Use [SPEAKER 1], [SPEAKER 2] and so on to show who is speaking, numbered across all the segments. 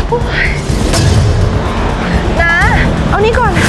[SPEAKER 1] นะเอานี่ก่อน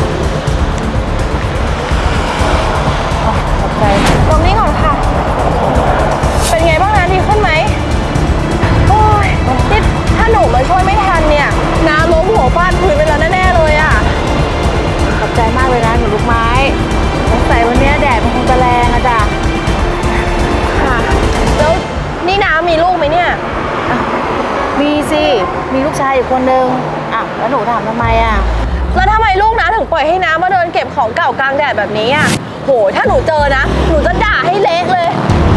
[SPEAKER 2] ขอบใจ
[SPEAKER 1] ตรงนี้ก่อนค่ะ เป็นไงบ้างนะดีขึ้นไหมโอ้ยนี่ถ้าหนูมาช่วยไม่ทันเนี่ยน้าล้มหัวฟาดพื้นไปแล้วแน่ๆเลยอ่ะ
[SPEAKER 2] ขอบใจมากเลยนะหนูลูกไม้สงสัยวันนี้แดดมันคงจะแรงอะจ้ะ
[SPEAKER 1] ค่ะแล้วนี่น้ามีลูกไหมเนี่ย
[SPEAKER 2] มีสิมีลูกชายอยู่คนนึงแล้วหนูถามทำไมอะ
[SPEAKER 1] แล้วทำไมลูกน้าถึงปล่อยให้น้ามาเดินเก็บของเก่ากลางแดดแบบนี้อ่ะโหถ้าหนูเจอนะหนูจะด่าให้เละเลย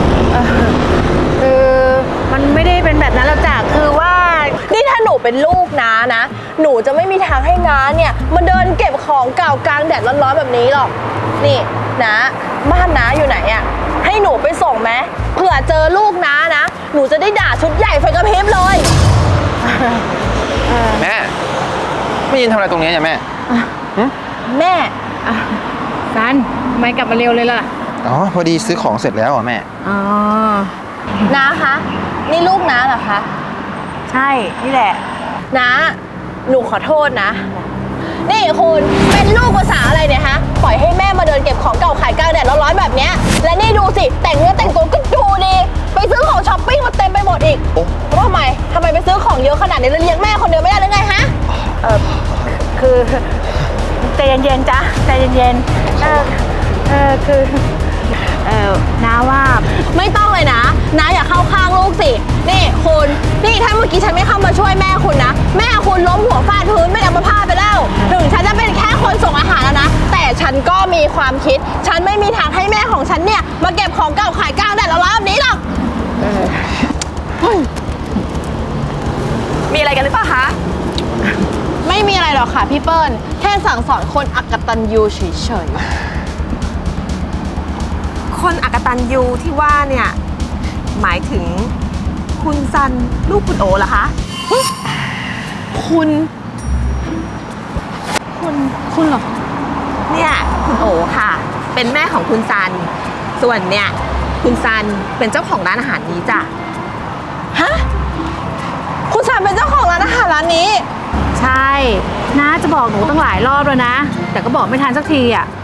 [SPEAKER 2] คือมันไม่ได้เป็นแบบนั้นหรอกจ้ะคือว่า
[SPEAKER 1] นี่ถ้าหนูเป็นลูกน้านะหนูจะไม่มีทางให้น้าเนี่ยมาเดินเก็บของเก่ากลางแดดร้อนๆแบบนี้หรอกนี่น้าบ้านน้าอยู่ไหนอ่ะให้หนูไปส่งไหมเผื่อเจอลูกน้านะหนูจะได้ด่าชุดใหญ่ไฟกระพริบเลย
[SPEAKER 3] แม่ไม่ยินทำอะไรตรงนี้เนี่ยแม่
[SPEAKER 1] แม่
[SPEAKER 2] ซันทำไมกลับมาเร็วเลยล่ะ
[SPEAKER 3] อ๋อพอดีซื้อของเสร็จแล้วอ่ะแม่
[SPEAKER 2] อ๋อ
[SPEAKER 1] น้าคะนี่ลูกน้าเหรอคะ
[SPEAKER 2] ใช่นี่แหละ
[SPEAKER 1] น้าหนูขอโทษนะนี่คุณเป็นลูกภาษาอะไรเนี่ยฮะปล่อยให้แม่มาเดินเก็บของเก่าขายกลางแดดร้อนๆแบบเนี้ยและนี่ดูสิแต่งเนื้อแต่งตัวก็ดูดีไปซื้อของช้อปปิ้งมาเต็มไปหมดอีกว่าทำไมไปซื้อของเยอะขนาดนี้แล้วเลี้ยงแม่คนเดียวไม่ได้หรือไงฮะ
[SPEAKER 2] คือใจเย็นๆจ้ะใจเย็นๆคือน้าว่า
[SPEAKER 1] ไม่ต้องเลยนะน้าอย่าเข้าข้างลูกสินี่คุณนี่ถ้าเมื่อกี้ฉันไม่เข้ามาช่วยแม่คุณนะแม่คุณล้มหัวฟาดพื้นไม่ได้มาพาไปแล้วถึงฉันจะเป็นแค่คนส่งอาหารแล้วนะแต่ฉันก็มีความคิดฉันไม่มีทางให้แม่ของฉันเนี่ยมาเก็บของเก่าขายกลางแดดร้อนๆแบบนี้หรอกมีอะไรกันหรือเปล่าคะไม่มีอะไรหรอกค่ะพี่เปิ้ลแค่สั่งสอนคนอักตันยูเฉย
[SPEAKER 4] ๆคนอักตันยูที่ว่าเนี่ยหมายถึงคุณซันลูกคุณโอเหรอคะ
[SPEAKER 1] คุณเหรอ
[SPEAKER 4] เนี่ยคุณโอค่ะเป็นแม่ของคุณซันส่วนเนี่ยคุณซันเป็นเจ้าของร้านอาหารนี้จ้ะ
[SPEAKER 1] ฮะคุณซันเป็นเจ้าของร้านอาหารร้านนี้
[SPEAKER 2] ใช่น้าจะบอกหนูตั้งหลายรอบแล้วนะแต่ก็บอกไม่ทันสักทีอ่ะ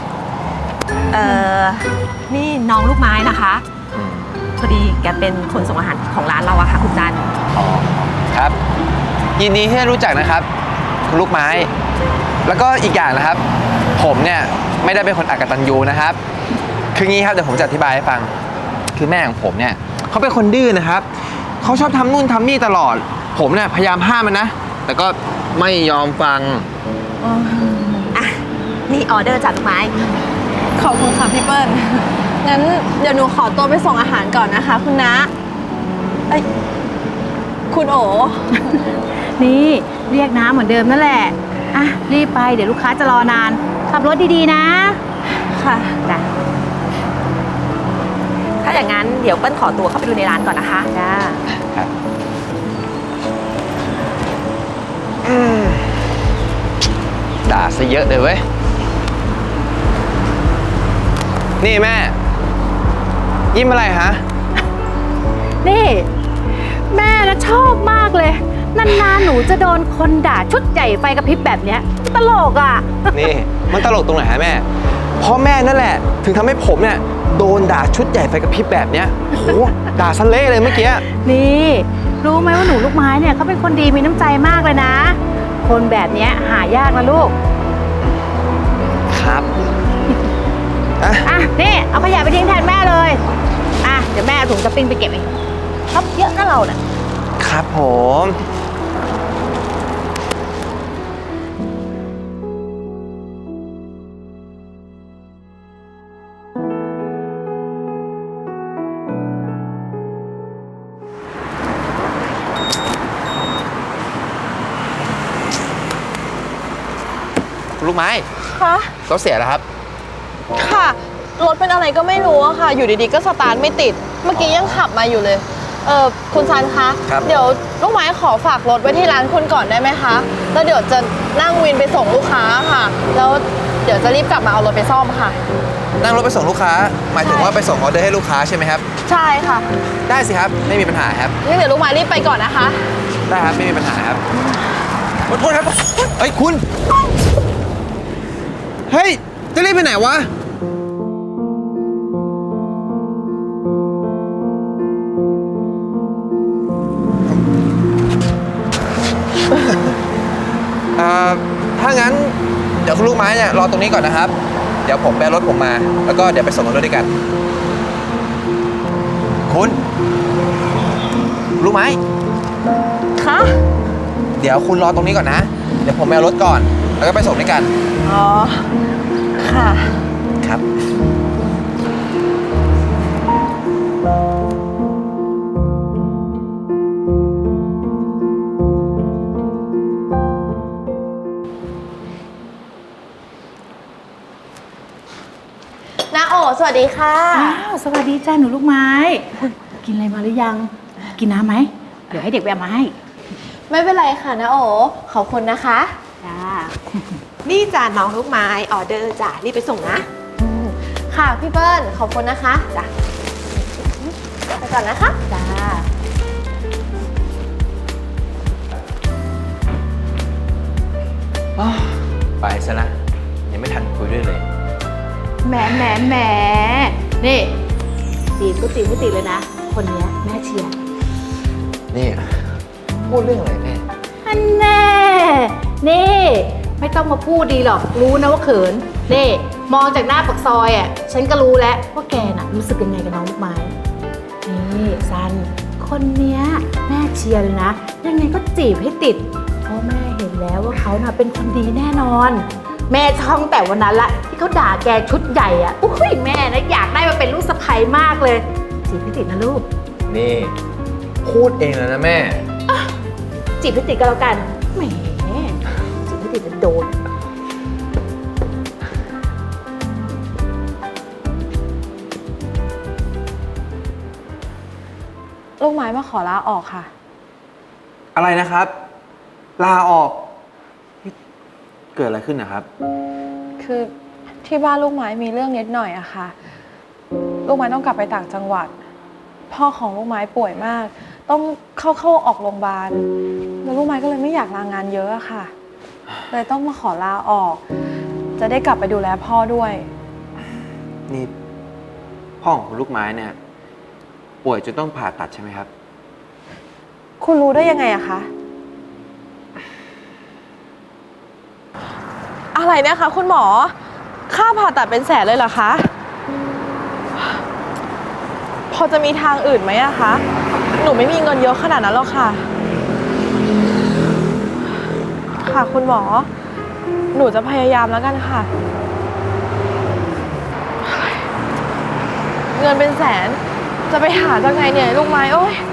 [SPEAKER 4] นี่น้องลูกไม้นะคะพอดีแกเป็นคนส่งอาหารของร้านเราอะค่ะคุณจัน
[SPEAKER 3] อ๋อครับยินดีที่ได้รู้จักนะครับคุณลูกไม้แล้วก็อีกอย่างนะครับผมเนี่ยไม่ได้เป็นคนอกตัญญูนะครับคืองี้ครับเดี๋ยวผมจะอธิบายให้ฟังคือแม่ของผมเนี่ยเขาเป็นคนดื้อนะครับเขาชอบทำนู่นทำนี่ตลอดผมเนี่ยพยายามห้ามมันนะแต่ก็ไม่ยอมฟัง
[SPEAKER 4] นี่ออเดอร์จากลูกไม้
[SPEAKER 1] ขอบคุณค่ะพี่เปิ้ลงั้นเดี๋ยวหนูขอตัวไปส่งอาหารก่อนนะคะคุณน้าคุณโอ
[SPEAKER 2] นี่เรียกน้าเหมือนเดิมนั่นแหละรีบไปเดี๋ยวลูกค้าจะรอนานขับรถดีๆนะ
[SPEAKER 1] ค่ะ
[SPEAKER 2] จ้ะ
[SPEAKER 4] ถ้าอย่างนั้นเดี๋ยวเปิ้ลขอตัวเข้าไปดูในร้านก่อนนะคะ
[SPEAKER 2] จ้า
[SPEAKER 3] ด่าซะเยอะเลยเว้ยนี่แม่ยิ้มอะไรฮะ
[SPEAKER 2] นี่แม่นะชอบมากเลยนานๆหนูจะโดนคนด่าชุดใหญ่ไฟกระพริบแบบเนี้ยตลกอ่ะ
[SPEAKER 3] นี่มันตลกตรงไหนฮะแม่เพราะแม่นั่นแหละถึงทำให้ผมเนี่ยโดนด่าชุดใหญ่ไฟกระพริบแบบเนี้ยโหด่าซะเละเลยเมื่อกี้
[SPEAKER 2] นี่รู้ไหมว่าหนูลูกไม้เนี่ยเขาเป็นคนดีมีน้ำใจมากเลยนะคนแบบเนี้ยหายากนะลูก
[SPEAKER 3] ครับ
[SPEAKER 2] นี่เอาขยะไปทิ้งแทนแม่เลยเดี๋ยวแม่เอาถุงสปริงไปเก็บเองชอบเยอะนะเราเนี่ย
[SPEAKER 3] ครับผมลูกไม้
[SPEAKER 1] คะ
[SPEAKER 3] รถเสียแล้วครับ
[SPEAKER 1] ค่ะรถเป็นอะไรก็ไม่รู้อะค่ะอยู่ดีๆก็สตาร์ทไม่ติดเมื่อกี้ยังขับมาอยู่เลยคุณซันคะเดี๋ยวลูกไม้ขอฝากรถไว้ที่ร้านคุณก่อนได้ไหมคะแล้วเดี๋ยวจะนั่งวินไปส่งลูกค้าค่ะแล้วเดี๋ยวจะรีบกลับมาเอารถไปซ่อมค่ะ
[SPEAKER 3] นั่งรถไปส่งลูกค้าหมายถึงว่าไปส่งออเดอร์ให้ลูกค้าใช่ไหมครับ
[SPEAKER 1] ใช่ค่ะ
[SPEAKER 3] ได้สิครับไม่มีปัญหาครับ
[SPEAKER 1] งั้นเดี๋ยวลูกไม้รีบไปก่อนนะคะ
[SPEAKER 3] ได้ครับ ไม่มีปัญหาครับขอโทษครับเฮ้ยคุณ เฮ้ย จะรีบไปไหนวะ ถ้างั้น เดี๋ยวคุณลูกไม้เนี่ยรอตรงนี้ก่อนนะครับ เดี๋ยวผมแบรถผมมา แล้วก็เดี๋ยวไปส่งรถด้วยกัน คุณลูกไม้
[SPEAKER 1] คะ
[SPEAKER 3] เดี๋ยวคุณรอตรงนี้ก่อนนะ เดี๋ยวผมไปเอารถก่อน แล้วก็ไปส่งด้วยกัน
[SPEAKER 1] อ๋อ ค่ะ
[SPEAKER 3] ครับ
[SPEAKER 1] นาโอสวัสดีค่ะ
[SPEAKER 2] อ้าวสวัสดีจ้าหนูลูกไม้ กินอะไรมาหรือยัง กินน้ำไหม เดี๋ยวให้เด็กไปเอามาให้
[SPEAKER 1] ไม่เป็นไรค่ะนาโอ ขอบคุณนะคะ
[SPEAKER 2] จ้า
[SPEAKER 4] นี่จ้ะน้องลูกไม้ออเดอร์จ้ะรีบไปส่งนะ
[SPEAKER 1] ค่ะพี่เปิ้ล ขอบคุณนะคะจ้ะไปก่อนนะคะ
[SPEAKER 2] จ้า
[SPEAKER 3] ไปซะนะ ยังไม่ทันคุยด้วยเลย
[SPEAKER 2] แหมนี่จีบก็จีบไม่ติดเลยนะ คนเนี้ยแม่เชียร์
[SPEAKER 3] นี่ พูดเรื่องอะไรแม่
[SPEAKER 2] อันแน่ นี่ ไม่ต้องมาพูดดีหรอก รู้นะว่าเขิน นี่ มองจากหน้าปากซอยอ่ะ ฉันก็รู้แล้วว่าแกน่ะรู้สึกยังไงกับน้องลูกไม้ นี่ซัน คนเนี้ยแม่เชียร์เลยนะ ยังไงก็จีบให้ติด เพราะแม่เห็นแล้วว่าเขาน่ะเป็นคนดีแน่นอน แม่ช่องแต่วันนั้นละที่เขาด่าแกชุดใหญ่อ่ะอุ้ยแม่นะอยากได้มาเป็นลูกสะใภ้มากเลย จีบให้ติดนะลูก
[SPEAKER 3] นี่ พูดเองแล้วนะแม่
[SPEAKER 2] จีบให้ติดก็แล้วกันแหมจีบให้ติดจะโดน
[SPEAKER 1] ลูกไม้มาขอลาออกค่ะ
[SPEAKER 3] อะไรนะครับ ลาออกนี่เกิดอะไรขึ้นนะครับ
[SPEAKER 1] คือที่บ้านลูกไม้มีเรื่องนิดหน่อยอะค่ะ ลูกไม้ต้องกลับไปต่างจังหวัด พ่อของลูกไม้ป่วยมาก ต้องเข้าออกโรงพยาบาล แล้วลูกไม้ก็เลยไม่อยากลางานเยอะอะค่ะ เลยต้องมาขอลาออก จะได้กลับไปดูแลพ่อด้วย
[SPEAKER 3] นี่พ่อของคุณลูกไม้เนี่ย ป่วยจนต้องผ่าตัดใช่ไหมครับ
[SPEAKER 1] คุณรู้ได้ยังไงอะคะ อะไรนะคะคุณหมอ ค่าผ่าตัดเป็นแสนเลยเหรอคะ พอจะมีทางอื่นไหมอะคะ หนูไม่มีเงินเยอะขนาดนั้นหรอกค่ะ ค่ะคุณหมอ หนูจะพยายามแล้วกันค่ะ เงินเป็นแสน จะไปหาจากไหนเนี่ยลูกไม้โอ้ย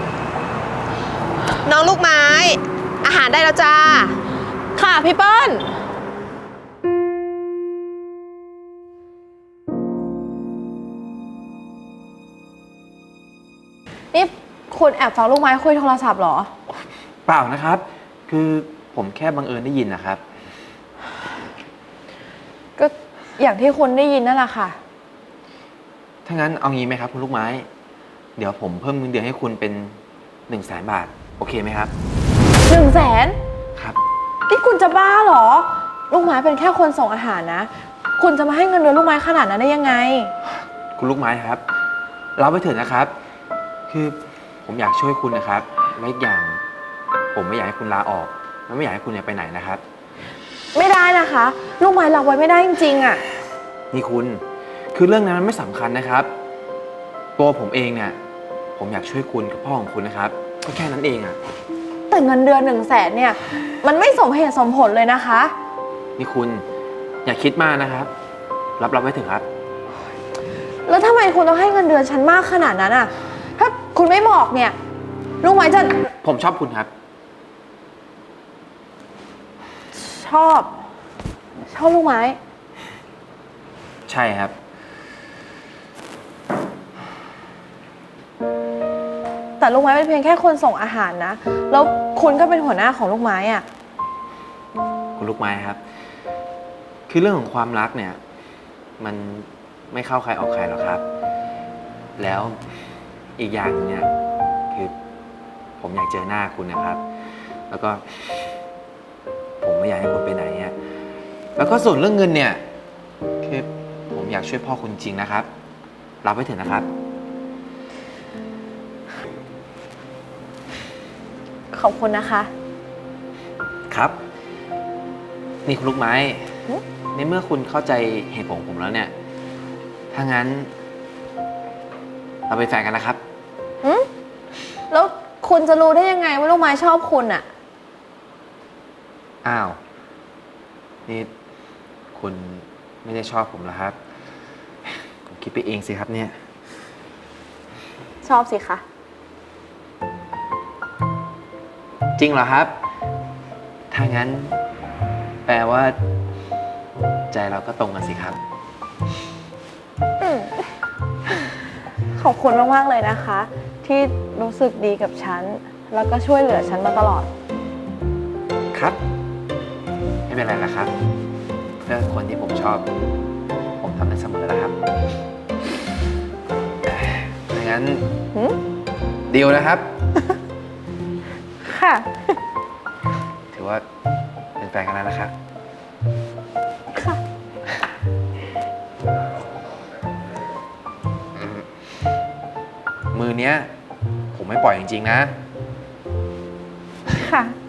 [SPEAKER 4] น้องลูกไม้ อาหารได้แล้วจ้า
[SPEAKER 1] ค่ะพี่เปิ้ล นี่คุณแอบฟังลูกไม้คุยโทรศัพท์เหรอ
[SPEAKER 3] เปล่านะครับ คือผมแค่บังเอิญได้ยินนะครับ
[SPEAKER 1] ก็อย่างที่คุณได้ยินนั่นแหละค่ะ
[SPEAKER 3] ถ้างั้นเอางี้ไหมครับคุณลูกไม้ เดี๋ยวผมเพิ่มเงินเดือนให้คุณเป็น100,000 บาท โอเคไหมครับ
[SPEAKER 1] 100,000
[SPEAKER 3] ครับ
[SPEAKER 1] นี่คุณจะบ้าเหรอ ลูกไม้เป็นแค่คนส่งอาหารนะ คุณจะมาให้เงินเดือนลูกไม้ขนาดนั้นได้ยังไง
[SPEAKER 3] คุณลูกไม้ครับรับไว้เถอะนะครับ คือผมอยากช่วยคุณนะครับและอีกอย่าง ผมไม่อยากให้คุณลาออกและไม่อยากให้คุณเนี่ยไปไหนนะครับ
[SPEAKER 1] ไม่ได้นะคะ ลูกไม้รับไว้ไม่ได้จริงๆอะ
[SPEAKER 3] นี่คุณคือเรื่องนั้นมันไม่สำคัญนะครับ ตัวผมเองเนี่ยผมอยากช่วยคุณกับพ่อของคุณนะครับก็แค่นั้นเองอะ
[SPEAKER 1] แต่เงินเดือน100,000เนี่ย มันไม่สมเหตุสมผลเลยนะคะ
[SPEAKER 3] นี่คุณอย่าคิดมากนะครับ รับไว้เถอะครับ
[SPEAKER 1] แล้วทำไมคุณต้องให้เงินเดือนฉันมากขนาดนั้นอะถ้าคุณไม่บอกเนี่ย ลูกไม้จะ
[SPEAKER 3] ผมชอบคุณครับ
[SPEAKER 1] ชอบลูกไม้
[SPEAKER 3] ใช่ครับ
[SPEAKER 1] แต่ลูกไม้เป็นเพียงแค่คนส่งอาหารนะ แล้วคุณก็เป็นหัวหน้าของลูกไม้อะ
[SPEAKER 3] คุณลูกไม้ครับ คือเรื่องของความรักเนี่ย มันไม่เข้าใครออกใครหรอกครับ แล้วอีกอย่างเนี่ยคือผผมอยากเจอหน้าคุณนะครับ แล้วก็ ผมไม่อยากให้คุณไปไหนเนี่ยแล้วก็ส่วนเรื่องเงินเนี่ย คือผมอยากช่วยพ่อคุณจริงนะครับ รับไว้เถอะนะครับ
[SPEAKER 1] ขอบคุณนะคะ
[SPEAKER 3] ครับ นี่คุณลูกไม้ ในเมื่อคุณเข้าใจเหตุผลของผมแล้วเนี่ย ถ้างั้น เราเป็นแฟนกันนะครับ
[SPEAKER 1] แล้วคุณจะรู้ได้ยังไงว่าลูกไม้ชอบคุณอะ
[SPEAKER 3] อ้าว นี่คุณไม่ได้ชอบผมเหรอครับ ผมคิดไปเองสิครับเนี่ย
[SPEAKER 1] ชอบสิคะ
[SPEAKER 3] จริงเหรอครับ ถ้างั้น แปลว่า ใจเราก็ตรงกันสิครับ
[SPEAKER 1] ขอบคุณมากๆเลยนะคะ ที่รู้สึกดีกับฉัน แล้วก็ช่วยเหลือฉันมาตลอด
[SPEAKER 3] ครับ ไม่เป็นไรละครับ เพื่อคนที่ผมชอบ ผมทำได้เสมอแล้วครับถ้างั้น ดีลนะครับ
[SPEAKER 1] ค่ะ
[SPEAKER 3] ถือว่าเป็นแฟนกันแล้วนะครับ
[SPEAKER 1] ค่ะ
[SPEAKER 3] มือเนี้ย ผมไม่ปล่อยจริงๆนะ
[SPEAKER 1] ค่ะ